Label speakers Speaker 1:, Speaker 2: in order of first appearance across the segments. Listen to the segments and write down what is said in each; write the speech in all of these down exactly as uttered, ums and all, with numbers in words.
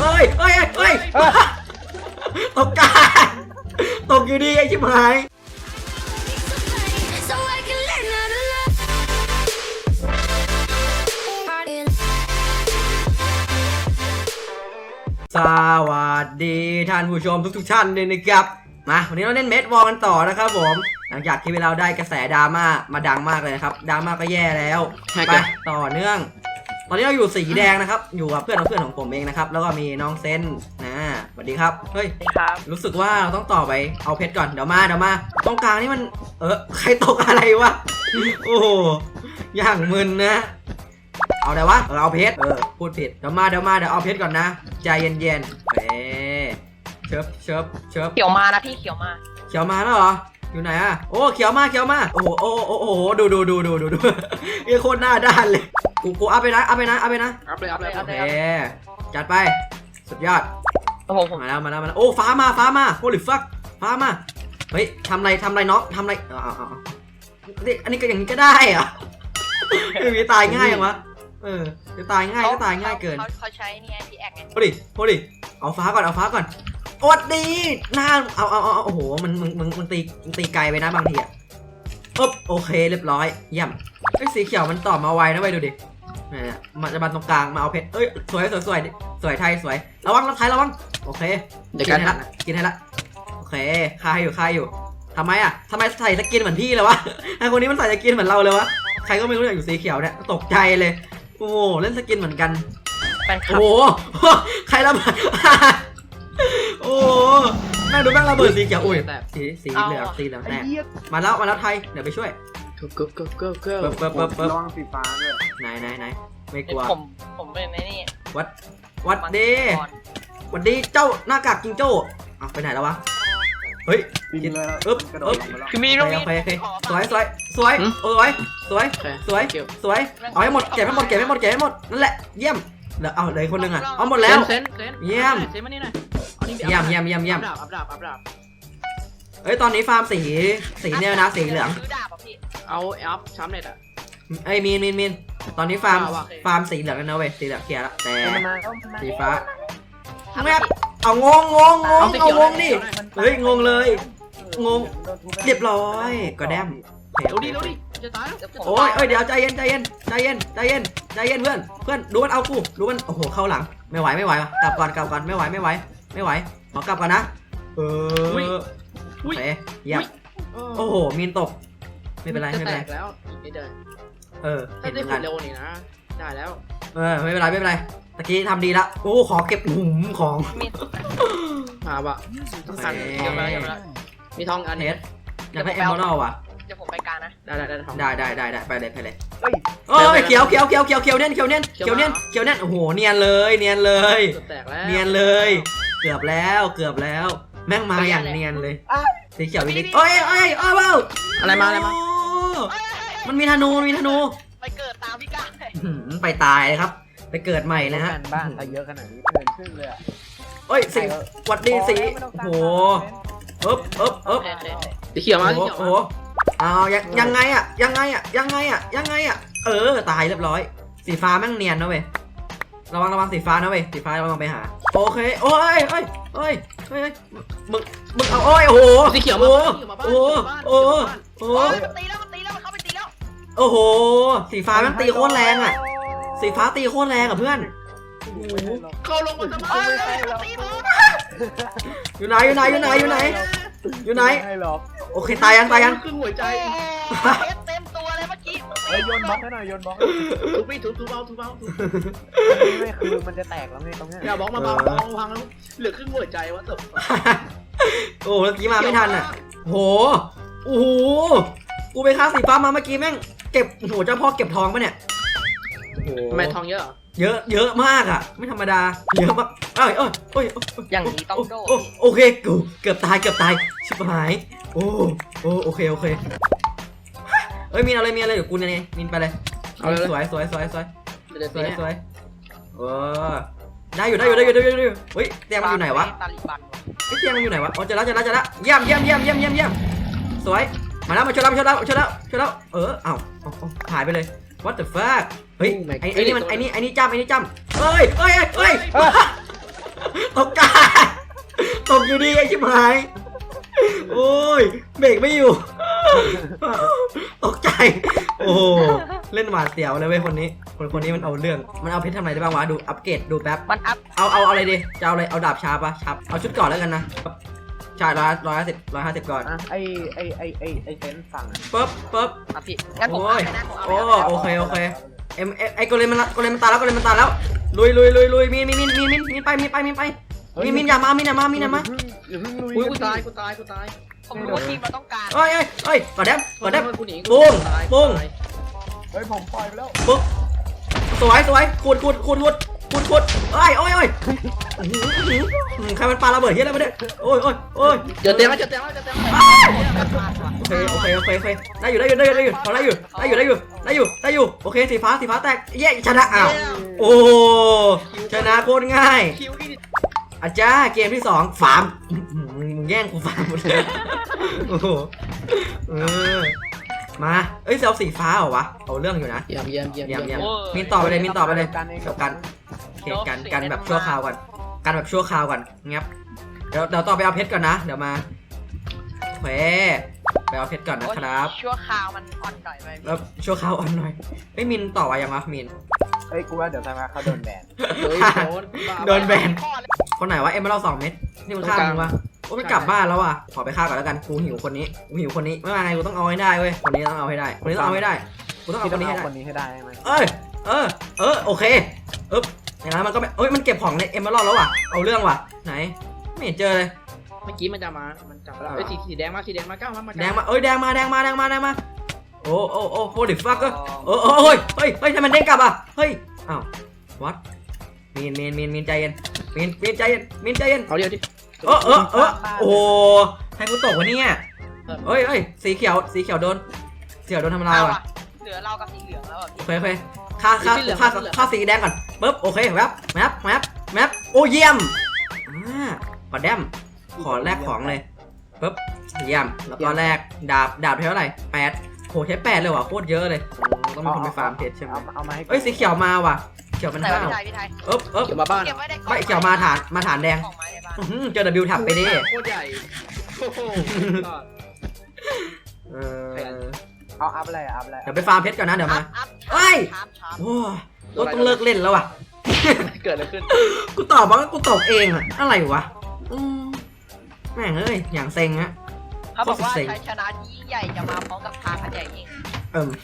Speaker 1: เอ้ยเอ้ยเอ้ยตกกาตกอยู่ดีไอ้ชิบหายสวัสดีท่านผู้ชมทุกๆท่านเลยนะครับมาวันนี้เราเล่นเมดวอลกันต่อนะครับผมหลังจากที่เราได้กระแสดราม่ามาดังมากเลยนะครับดราม่าก็แย่แล้วไปต่อเนื่องตอนนี้เราอยู่สีแดงนะครับอยู่กับเพื่อนของเพื่อนของผมเองนะครับแล้วก็มีน้องเซนนะสวัสดีครับเฮ้ยรู้สึกว่าเราต้องต่อไปเอาเพชรก่อนเดี๋ยวมาเดี๋ยวมาตรงกลางนี่มันเออใครตกอะไรวะโอ้โหอย่างมึนนะเอาแต่วะเออเอาเพชรเออพูดผิดเดี๋ยวมาเดี๋ยวมาเดี๋ยวเอาเพชรก่อนนะใจเย็นๆเอ๊เชิบเชิบเชิบ
Speaker 2: เขียวมานะพี่เขียวมา
Speaker 1: เขียวมาแล้วเหรออยู่ไหนอะโอ้เขียวมาเขียวมาโอ้โหโอ้โหโอ้โหดูดูดูดูดูดูไอ้โคตรหน้าด้านเลยกูกูอัพไปนะอัพไปนะอัพไปนะ
Speaker 3: อัพเลยอัพเลย
Speaker 1: โอเคจัดไปสุดยอด
Speaker 2: โอ้โห
Speaker 1: มาแล้วมาแล้วมาแล้วโอ้ฟ้ามาฟ้ามาโฮลิฟักฟ้ามาเฮ้ยทำไรทำไรน้องทำไรอ๋ออ๋อนี่อันนี้ก็อย่างนี้ก็ได้เหรอไม่มีตายง่ายอย่างวะเออจะตายง่ายก็ตายง่ายเกิน
Speaker 2: เขาใช้นี่ไงพีแอคไง
Speaker 1: โฮลิโฮลิเอาฟ้าก่อนเอาฟ้าก่อนอดดีหน้าเอาเอาเอาโอ้โหมันมึงมึงมึงตีมึงตีไกลไปนะบางทีอ่ะอ๊บโอเคเรียบร้อยเยี่ยมไอ้สีเขียวมันตอบมาไวนะไปดูดิเนี่ยมันจะมาตรงกลางมาเอาเพชรเอ้ยสวยสวยสวยสวยไทยสวยระวังระวังไทยระวังโอเค
Speaker 3: เดี๋ยวกัน
Speaker 1: ให้ละกินให้ละโอเคคายอยู่คายอยู่ทำไมอ่ะทำไมใส่สกินเหมือนพี่เลยวะไอ้คนนี้มันใส่สกินเหมือนเราเลยวะใครก็ไม่รู้อยากอยู่สีเขียวเนี่ยตกใจเลยโอ้โหเล่นสกินเหมือนกันโอ้โหใครระเบิดโอ้แม่ดูแม่งระเบิดสีเขียวอุ้ยสีสีเหลืองสีเหลืองแตกมาแล้วมาแล้วไทยเดี๋ยวไปช่วย
Speaker 3: ก็ก็ก็ก็ก็
Speaker 1: เปิบเปิบเปิบ
Speaker 4: ระวังสีฟ้าด้วย
Speaker 1: ไหนไหนไหนไม่กลัว
Speaker 2: ผมผมเป็นไอ้นี่
Speaker 1: วัดวัดดีวัดดีเจ้าหน้ากากจิงโจ้อ่ะไปไหนแล้ววะเฮ้ย
Speaker 4: กินเลย
Speaker 1: อึ๊บอึ๊บ
Speaker 2: คือมีตรงนี้
Speaker 1: สวยสวยสวยสวยสวยสวยสวยเอาให้หมดเก็บให้หมดเก็บให้หมดเก็บให้หมดนั่นแหละเยี่ยมเหลือเอาเลยคนนึงอ่ะเอาหมดแล้วเยี่ยมเยี่ยมเยี่ยมเยี่ยมเยี่ยม
Speaker 3: อัพดาบอัพดาบ
Speaker 1: เอ้ยตอนนี้ฟาร์มสีสีเนี่ยนะสีเหลือง
Speaker 3: เอาอัพช้ำเน็ตอ่ะ
Speaker 1: ไอ้มีนมีนมีนตอนนี้ฟาร์มฟาร์มสีเหลืองกันนะเว้ยสีเหลืองเคลียร์ละแต่สีฟ้าแม่เอางงงงงงเอางงดิเฮ้ยงงเลยงงเรียบร้อยก็แดม
Speaker 3: เดี๋ยวดิเดี๋ยวดิจะตายแล้ว
Speaker 1: โอ้ยเอ้ยเดี๋ยวใจเย็นใจเย็นใจเย็นใจเย็นใจเย็นเพื่อนเพื่อนดูมันเอากูดูมันโอ้โหเข้าหลังไม่ไหวไม่ไหวกลับก่อนกลับก่อนไม่ไหวไม่ไหวไม่ไหวขอกลับก่อนนะเออโอเคเยี่ยมโอ้โหมีนตกไม่เป็นไรไม่เป็นไร
Speaker 3: แล้วไม่ได้
Speaker 1: เออ
Speaker 3: เห็นงานเร็วนี่นะได้แล้ว
Speaker 1: เออไม่เป็นไรไม่เป็นไรตะกี้ทำดีละโอ้ขอเก็บหุมของ
Speaker 3: มาบะต้องสั่งเยอะไปเยอะไปมีทองอัน
Speaker 1: เฮ็ดอยากได้เอมเบอร์ว่ะ
Speaker 2: เดี๋ยวผมไปกลางนะ
Speaker 3: ได้ได้ได้
Speaker 1: ได้ได้ได้ได้ไปเลยไปเลยเอ้ยเขียวเขียวเขียวเขียวเขียวเนียนเขียวเนียนเขียวเนียนเขียวเนียนโอ้โหเนียนเลยเนียนเลยเนียนเลยเกือบแล้วเกือบแล้วแม่งมาอย่างเนียนเลยสีเขียววินิจเอ้ยเอ้ยเอ้ยเบ้า
Speaker 3: อะไรมาอะไรมา
Speaker 1: มันมีธนูมีธนู
Speaker 2: ไปเกิดตามพี่ก้า
Speaker 1: ไปตายเลยครับไปเกิดใหม่นะฮะ
Speaker 4: บ้านเยอะขนาดนี้เกินครึ่งเลยอ่ะ
Speaker 1: เอ้ยสีวัดดีสีโหเอ๊บเอ๊บเอ๊บ
Speaker 3: สีเขียวมาสีเขียว
Speaker 1: โอ้โหเอายังไงอ่ะยังไงอ่ะยังไงอ่ะยังไงอ่ะเออตายเรียบร้อยสีฟ้าแม่งเนียนนะเว้ยระวังระวังสีฟ้านะเว้ยสีฟ้าระวังไปหาโอเคโอ้ยเอ้ยเอ้ยเอ้ยมึงมึงเอาโอ้ยโอ้โห
Speaker 3: สีเขียวมา
Speaker 1: โอ้โอ้โอ้
Speaker 2: ตีแล้วมันตีแล้วมันเข้าไปตีแล้ว
Speaker 1: โอ้โหสีฟ้าแม่งตีโคตรแรงอ่ะสีฟ้าตีโคตรแรงอ่ะเพื่อน
Speaker 3: เข้าลงมาทำไม
Speaker 1: อยู่ไหนอยู่ไหนอยู่ไหนอยู่ไหนอยู่ไหนโอเคตายยังตายยัง
Speaker 3: ครึ่งหัวใจ
Speaker 2: เต็มตัวเลยเมื่อกี้
Speaker 4: โยนบล็อกให้หน่อยโยนบล็อก
Speaker 3: ถูพี่ถูถูเบาถูเบาถู
Speaker 4: ไม่คือมันจะแตกแล้วไงตรงนี้
Speaker 3: อย่าบล็อกมาบล็อกบล็อกพังแล้วเหลือครึ่งหัวใจวะตบ
Speaker 1: โอ้เมื่อกี้มาไม่ทันอ่ะโหโอ้โหกูไปฆ่าสีฟ้ามาเมื่อกี้แม่งเก็บโหเจ้าพ่อเก็บทองปะเนี่ย
Speaker 3: ทำไมทองเยอะ
Speaker 1: เยอะเยอะมากอ่ะไม่ธรรมดาเยอะมากเอ้ยเอ้ยเอ้ย
Speaker 2: อย่างนี้ต้องโดน
Speaker 1: โอเคกูเกือบตายเกือบตายชิบหายโอ้โอ้โอเคโอเคเอ้ยมีอะไรมีอะไรเดี๋ยวกูเนี่ยมินไปเลยสวยสวยสวยสวยสวยสวยเออได้อยู่ได้อยู่ได้อยู่ได้อยู่ได้อยู่เฮ้ยเตียงมันอยู่ไหนวะไอ้เตียงมันอยู่ไหนวะอ๋อเจอแล้วเจอแล้วเจอแล้วเยี่ยมเยี่ยมเยี่ยมเยี่ยมเยี่ยมเยี่ยมสวยมาแล้วมาช่วยแล้วมาช่วยแล้วช่วยแล้วช่วยแล้วเออเอ้าหายไปเลย what the fuck เฮ้ยไอ้ไอ้นี่มันไอ้นี่ไอ้นี่จ้ำไอ้นี่จ้ำเฮ้ยเฮ้ยเฮ้ยตกใจตกอยู่ดีไอ้ชิบหายโอ้ยเบรกไม่อยู่ตกใจโอ้โหเล่นหวาดเสียวเลยเว้ยคนนี้คนคนนี้มันเอาเรื่องมันเอาเพชรทำอะไรได้บ้างวะดูอัปเกรดดูแป๊บ
Speaker 2: มันอัพ
Speaker 1: เอาเอาอะไรดีจะเอาอะไรเอาดาบชาปะชาเอาชุดก่อนแล้วกันนะใช่ร้อยร้อยห้าสิบร้อยห้าสิบก่อน
Speaker 4: อ่ะไอไอไอไอไอเซนสั่งอ่ะ
Speaker 1: ปึ๊บปึ๊บ
Speaker 2: อ่ะพี่งั้นผม
Speaker 1: โอ้
Speaker 2: เอา
Speaker 1: ย
Speaker 2: ไปนะผมเอา
Speaker 1: โอ้
Speaker 2: ไปนะ
Speaker 1: โอเคโอเคเอ็มเอ็มไอ้โกเลมมันละโกเลมมันตายแล้วโกเลมมันตายแล้วลุยลุยลุยลุยมีมีมีมีมีมีไปมีไปมีไปมีมีอย่ามามีอย่ามามีอย่ามา
Speaker 4: อย่าเพิ่งลุย
Speaker 3: อุ้ยกูตายกูตายกูตาย
Speaker 2: ผมรู้ว่าทีมเราต้องการ
Speaker 1: เอ้ยเอ้ยเอ้ยกดแดมกดแดม
Speaker 3: กูหนี
Speaker 1: ปุ้งปุ้ง
Speaker 4: เฮ้ยผมปล่อยไปแล้ว
Speaker 1: ปึ๊บสวยสวยขูดขูดขูดขูดขูดขูดเอ้ยโอ้ยโอ้ยใครมันปาระเบิดเฮียอะไรมาเนี่ยโอ้ยโอ้ยโอ้ย
Speaker 3: เจอเต็มแล้วเจอเต็มแล้วเจอเต็มแล้ว
Speaker 1: โอเคโอเคโอเคโอเคได้อยู่ได้อยู่ได้อยู่ได้อยู่พอได้อยู่ได้อยู่ได้อยู่ได้อยู่ได้อยู่โอเคสีฟ้าสีฟ้าแตกเย้ชนะอ้าวโอ้ชนะโคตรง่าย
Speaker 3: คิวอีก
Speaker 1: อาจารย์เกมที่สองฟาร์มมึงแย่งกูฟาร์มหมดเลยโอ้โหเออมาเอ้ยเอาสีฟ้าเหรอวะเอาเรื่องอยู่นะ
Speaker 3: เยี่ยมเยี่ยมเยี่ยม
Speaker 1: เยี่ยมเยี่ยม
Speaker 2: โอ้ย
Speaker 1: มินต่อไปเลยมินต่อไปเลย
Speaker 4: กันเอง
Speaker 1: กับกันโอเคกันกันแบบชั่วคราวก่อนกันแบบชั่วคราวก่อนงับเดี๋ยวเดี๋ยวต่อไปเอาเพชรก่อนนะเดี๋ยวมาโอเคไปเอาเพชรก่อนนะครับ
Speaker 2: ชั่วคราวมันอ่อนหน่อยไป
Speaker 1: แล้วชั่วคราวอ่อนหน่อยเอ้ยมินต่อไปยังวะมิน
Speaker 4: เฮ้ยกูว่าเดี๋ยวทำไมเขาโดนแบน
Speaker 3: เฮ้ยโดน
Speaker 1: โดนแบน
Speaker 2: ข้อเลย
Speaker 1: คนไหนวะเอ็มมาเล่าสองเม็ดนี่มันฆ่ามึงวะโอ้ไม่กลับบ้านแล้วว่ะขอไปฆ่าก่อนแล้วกันกูหิวคนนี้กูหิวคนนี้ไม่ว่าไงกูต้องเอาให้ได้เว้ยคนนี้ต้องเอาให้ได้คนนี้ต้องเอาให้ได้กูต้องเอา
Speaker 4: ที่
Speaker 1: ค
Speaker 4: ต้อน ง
Speaker 1: นี้ให้
Speaker 4: เอา
Speaker 1: ได้
Speaker 4: คนนี้ให้ได้ใช่ไหม
Speaker 1: เอ้ยเออเออโอเคอึ๊บอย่างนั้นมันก็ไม่เอ้ยมันเก็บของในเอ็มมาเล่าแล้วว่ะเอาเรื่องว่ะไหนไม่เห็นเจอเลย
Speaker 3: เมื่อกี้มันจะมามันจับแล้วเอ้ยสีสีแดงมาสีแดงมาก้าวมามา
Speaker 1: แดงมาเอ้ยแดงมาแดงมาแดงมาแดงมาโอ้โอ้โอ้โหดิฟักก็เออเออเฮ้ยเฮ้ยเฮ้ยทำไมมันเด้งกลับอ่ะเฮ้ยอ้าววัดมีนมีนมีนมีนใจเย็นมีนมีนใจเย็นมีนใจเย็น
Speaker 3: เอาเดียวดิ
Speaker 1: เออเออเออโอ้ให้กูตกวะเนี่ยเฮ้ยเฮ้ยสีเขียวสีเขียวโดนสีเขียวโดนทำลาย
Speaker 2: เอา
Speaker 1: ว่ะ
Speaker 2: อะเหลือเรากับสีเหลืองแล้วอะ
Speaker 1: โอเคโอเคค่าค่าค่าค่าสีแดงก่อนปึ๊บโอเคแวบแมปแมปแมปโอ้เยี่ยมอ่าปอดแดมขอแลกของเลยปึ๊บเยี่ยมแล้วก็แลกดาบดาบเท่าไหร่แปดโหใช้แปดเลยว่ะโคตรเยอะเลยต้องมีคนไปฟาร์มเพชรใช่ไหม
Speaker 4: เอาเอามาให้
Speaker 1: เอ้ยสีเขียวมาว่ะเขียวมัน
Speaker 2: ไหนวะ
Speaker 1: ห้าว
Speaker 2: พี่ไทยพี่ไทย
Speaker 1: เอ๊บเอ๊บ
Speaker 3: เกี่ยวมาบ้าน
Speaker 2: เก็บไว้ในกล่อง
Speaker 1: ไม่เขียวมาฐานมาฐานแดง
Speaker 2: กล่องไม้ในบ้าน
Speaker 1: อื้อหือเจอ W ถับไปดิ
Speaker 3: โคตรใหญ่โอ้โห
Speaker 1: เออ
Speaker 4: เอาอัพอะไรอัพอะไร
Speaker 1: เดี๋ยวไปฟาร์มเพชรก่อนนะเดี๋ยวมา
Speaker 2: อัพ
Speaker 1: เฮ้ย
Speaker 2: ชาร์ปชาร์ป
Speaker 1: โอ้เราต้องเลิกเล่นแล้วว่ะ
Speaker 3: เกิดอะไรขึ้น
Speaker 1: กูตอบว่ากูตอบเองอะอะไรวะอืมแม่งเอ้ยอย่างเซ็งฮะ
Speaker 2: เขาบอกว่า
Speaker 1: โคตรเซ็ง
Speaker 2: ชัยชนะที่ยิ่งใหญ่จะมาพร้อมกับทางอันใหญ่ยิ่ง
Speaker 1: เอิ่ม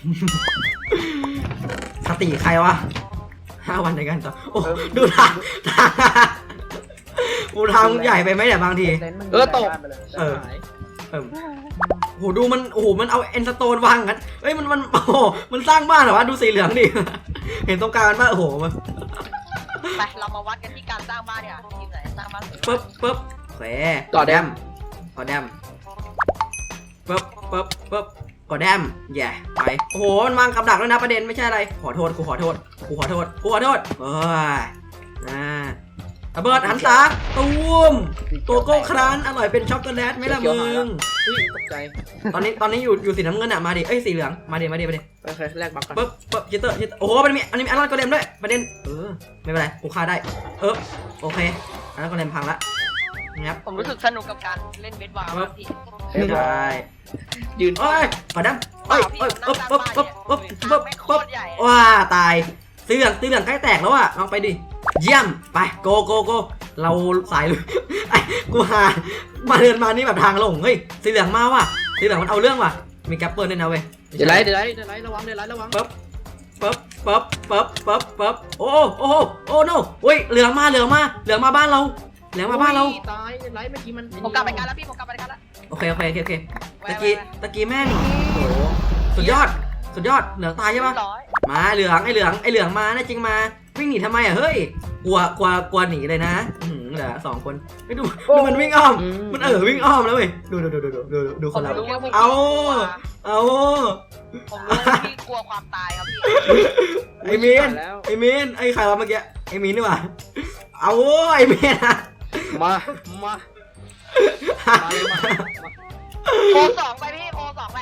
Speaker 1: สติใครวะห้าวันในการต่อโอ้ดูทางทางกูทางใหญ่ไปไหมเนี่ยบางที
Speaker 4: เซนมึง
Speaker 3: เออตก
Speaker 4: ไปเลย
Speaker 1: เออ เอิ่มโหดูมันโอ้โหมันเอาเอ็นสโตนวางกันเอ้ยมันมันโอ้โหมันสร้างบ้านเหรอวะดูสีเหลืองดิ เห็นตรงกลางมันป่ะโอ้โหมัน
Speaker 2: ไปเรามาวัดกันที่การสร้างบ้านเนี่ยทีมไหนสร้างบ้านสวย
Speaker 1: ปึ๊บปึ๊บโอเค
Speaker 3: ต่อแดม
Speaker 1: ต่อแดมปึ๊บปึ๊บปึ๊บกดแดมแย่ไปโอ้โหมันวางกับดักแล้วนะประเด็นไม่ใช่อะไรขอโทษกูขอโทษกูขอโทษกูขอโทษเอ้ยอ่าระเบิดหันตาตูมตัวโก้ครันอร่อยเป็นช็อกโกแลตไหมล่ะมึง
Speaker 3: อุ้ยตกใจ
Speaker 1: ตอนนี้ตอนนี้อยู่อยู่สีน้ำเงินอะมาดิเอ้ยสีเหลืองมาดิมาดิมาดิ
Speaker 3: โอเคแลกบัฟกัน
Speaker 1: ปึ๊บปึ๊บจิตเตอร์จิตเตอร์โอ้โหมันมีอันนี้มีอันนั้นก็เดมด้วยประเด็นเออไม่เป็นไรกูฆ่าได้เออโอเคอันนั้นก็เดมพังละงับ
Speaker 2: ผมรู้สึกสนุกกับการเล่นเบสบอลมากพี่
Speaker 1: ได้
Speaker 3: ยืน
Speaker 1: เอ้ยขอดำเอ้ยเอ้ยปึ๊บปึ๊บปึ๊บปึ๊บปึ๊บ
Speaker 2: ไม่โค
Speaker 1: ปึ๊บ
Speaker 2: ตรใหญ่
Speaker 1: ว้าตายสีเหลืองสีเหลืองใกล้แตกแล้วอะลองไปดิเยี่ยมไปโกโกโกเราสายเลยไอ้กูหามาเดินมานี่แบบทางลงเฮ้ยสีเหลืองมาว่ะสีเหลืองมันเอาเรื่องว่ะมีแกปเปิลด้วยนะเว้ย
Speaker 3: เดี๋ยวไล่เดี๋ยวไล่เดี๋ยวไล่ระวังเดี๋ยวไล่ระวัง
Speaker 1: ปึ๊บปึ๊บปึ๊บปึ๊บปึ๊บปึ๊บโอ้โอ้โหโอ้โนอุ้ยเหลืองมาเหลืองมาเหลืองมาบ้านเราเหลืองมาบ้านเรา
Speaker 3: ตายเดี๋ยวไล่เมื่อกี้มัน
Speaker 2: ผมกลับไปกันแล้วพี่ผมกลับไปกันแล้ว
Speaker 1: โอเคโอเคโอเคโอเค
Speaker 2: ไว้
Speaker 1: ตะกี้
Speaker 2: ไว้
Speaker 1: ตะกี้แม่งโอ้โหสุดยอดสุดยอดเหลืองตายใช่ปะ
Speaker 2: ร้อย
Speaker 1: มาเหลืองไอเหลืองไอเหลืองมาแน่จริงมาวิ่งหนีทำไมอ่ะเฮ้ยกลัวกลัวกลัวหนีเลยนะอืมเหลือสองคนไม่ดูดูมันวิ่งอ้อมมันเออวิ่งอ้อมแล้วเว้ยดูดูดูดูดูดูดู
Speaker 2: ผ
Speaker 1: คน
Speaker 2: ม
Speaker 1: เรา
Speaker 2: รู้ว่าพี่
Speaker 1: เอา
Speaker 2: กลัว
Speaker 1: เอา
Speaker 2: ผมรู้ว่าพี่กลัวความตายครับพี่
Speaker 1: ไอมีน
Speaker 3: แล้ว
Speaker 1: ไอมีนไอใครวะเมื่อกี้ไอมีนนี่หว่าเอาไอมีนอะ
Speaker 3: มามามาเลยมา
Speaker 2: โคสองไปพี่โคสองไป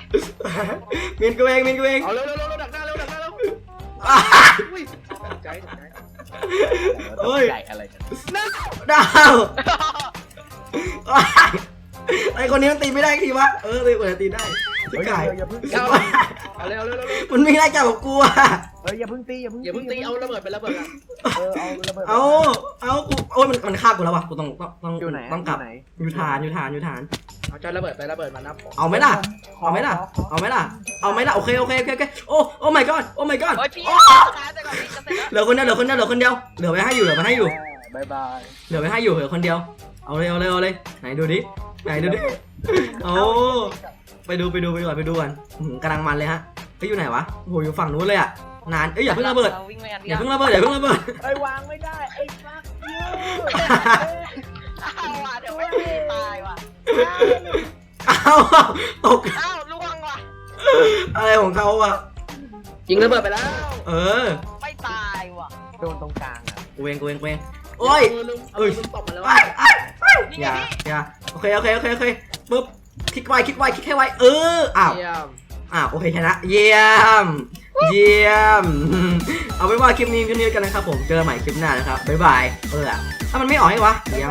Speaker 1: มีนกูเองมีนกูเอง
Speaker 3: เอาเร็วเร็วเร็วดักหน้าเร็วดักหน้าเร็ว
Speaker 1: อ้า
Speaker 3: อุ้ยตกใจตกใจ
Speaker 1: เฮ้ย
Speaker 4: ใหญ่อะไรกัน
Speaker 1: ดาวว้ายไอคนนี้มันตีไม่ได้ทีวะเออตีเปิดตีได้ชิบ
Speaker 4: เฮ้ย
Speaker 1: หาย
Speaker 4: อย่าเพิ่ง
Speaker 3: เอาเอาเร็วเร็วเร็ว
Speaker 1: มันไม่ได้จับกับกูอะ
Speaker 4: เฮ้ยอย่าเพิ่งตีอย่าเพิ่ง
Speaker 3: อย่าเพิ่งตีเอาระเบิดไประเบิดอ่ะ
Speaker 4: เออเอาระเบิด
Speaker 1: เอาเอากูโอ้ยมันมันฆ่ากูแล้ววะกูต้องต้องต้อง
Speaker 4: อยู่ไหน
Speaker 1: ต้องกลับ
Speaker 4: ไหน
Speaker 1: อยู่ฐานอยู่ฐานอยู่ฐาน
Speaker 3: เอาจอยระเบิดไประเบิดมานับ
Speaker 1: เอาไหมล่ะ เอาไหมล่ะ เอาไหมล่ะ เอาไหมล่ะ โอเค โอเค โอเค โอเค โอ้ โอ้ my god โอ้ my god
Speaker 2: เฮ้ยพี่
Speaker 1: โอ้
Speaker 2: ช้าแต่ก่อนพี่จะเสร็จแล้ว
Speaker 1: เหลือคนเดียว เหลือคนเดียว เหลือคนเดียว เหลือไว้ให้อยู่ เหลือไว้ให้อยู่
Speaker 4: บายบาย
Speaker 1: เหลือไว้ให้อยู่ เหลือคนเดียว เอาเลย เอาเลย เอาเลย ไหนดูดิ ไหนดูดิ โอ้ ไปดู ไปดู ไปดูก่อนไปดูก่อนอื้อหือกำลังมันเลยฮะไปอยู่ไหนวะ โอ้โห อยู่ฝั่งนู้นเลยอะนาน เอ้ย อย่าเพิ่งระเบิด
Speaker 2: าวิ่งไปกัน
Speaker 1: อย่าเพิ่งระเบิด อย่าเพิ่งระเบิด
Speaker 4: เอ้ยวางไม่ได้ไอ้ฟักยู
Speaker 2: อ้าวว่ะเดี๋ยวไม่มีตายว่ะ
Speaker 1: เอาตก
Speaker 2: อ้าวล่วงว่ะ
Speaker 1: อะไรของเขาอะ
Speaker 3: ยิงระเบิดไปแล้ว
Speaker 1: เออ
Speaker 2: ไม่ตายว่ะ
Speaker 4: โดนตรงกลางอ่ะ
Speaker 1: กูเองกูเองกูเองโอ้ย
Speaker 3: ลุงเอ้ยลุงตบมาแล้ว
Speaker 1: ไอ้ไอ้ไอ้
Speaker 2: นี่
Speaker 1: อ
Speaker 2: ไง
Speaker 1: ย่า
Speaker 2: พี่
Speaker 1: อย่าโอเค โอเค โอเค โอเค ปึ๊บ คลิกไว คลิกไว คลิกให้ไว เออ อ้าว
Speaker 3: เยี่ยม
Speaker 1: อ่าโอเคชนะเยี่ยม เยี่ยม เอาไว้ว่าคลิปนี้คลิปนี้กันนะครับผมเจอกันใหม่คลิปหน้านะครับบ๊ายบายเออถ้ามันไม่ออกให้วะเยี่ยม